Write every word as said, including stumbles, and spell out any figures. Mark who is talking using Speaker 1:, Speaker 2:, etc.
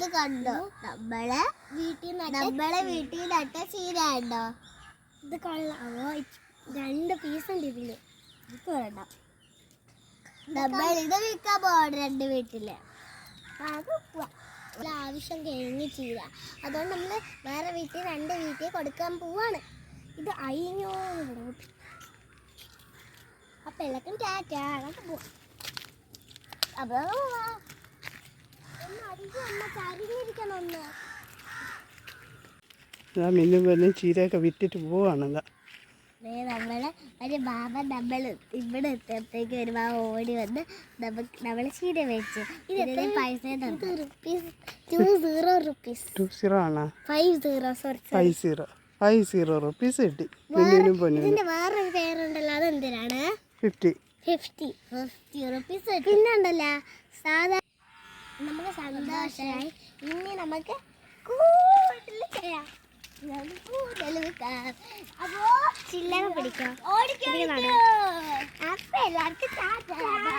Speaker 1: ഇത് കണ്ടോ നമ്മളെ വീട്ടിൽ നമ്മളെ വീട്ടിൽ നട്ട ചീര ഉണ്ടോ? ഇത് കൊള്ളാമോ? രണ്ട് പീസ് ഉണ്ട് ഇതില്. ഇത് വേണ്ട, നമ്മൾ ഇത് വിൽക്കാൻ പോകണം രണ്ട് വീട്ടില്. ആവശ്യം കഴിഞ്ഞ് ചീര, അതുകൊണ്ട് നമ്മള് വേറെ വീട്ടിൽ രണ്ട് വീട്ടിൽ കൊടുക്കാൻ പോവാണ്. ഇത് അയിഞ്ഞോ അപ്പൊ എല്ലാവർക്കും ടാറ്റാ, അങ്ങോട്ട് പോവാം. അപ്പൊ ചരിഞ്ഞിരിക്കണം ഒന്ന്.
Speaker 2: മിന്നും പറഞ്ഞ് ചീരയൊക്കെ വിറ്റിട്ട് പോവാണല്ലോ.
Speaker 1: നമ്മളെ ഒരു ബാബ നമ്മൾ ഇവിടെ എത്തിയപ്പോഴത്തേക്ക് ഒരു ബാബ ഓടി വന്ന് നമുക്ക് നമ്മളെ ചീര വെച്ച് ഇതിന് പൈസ rupees two zero rupees
Speaker 2: two zero ആണോ?
Speaker 1: Five zero sorry
Speaker 2: five zero five zero rupees കിട്ടി. മിന്നിനും പൊന്നിനും.
Speaker 1: ഇതിന്റെ വേറൊരു പേരുണ്ടല്ലോ, അതെന്തിനാണ്?
Speaker 2: Fifty
Speaker 1: fifty fifty rupees. പിന്നെ ഉണ്ടല്ലോ സാധാ നമുക്ക് സന്തോഷമായി. ഇനി നമുക്ക് കൂടുതൽ ചെയ്യാം. അപ്പോ ചില്ലറ പിടിക്കാം. അപ്പൊ എല്ലാവർക്കും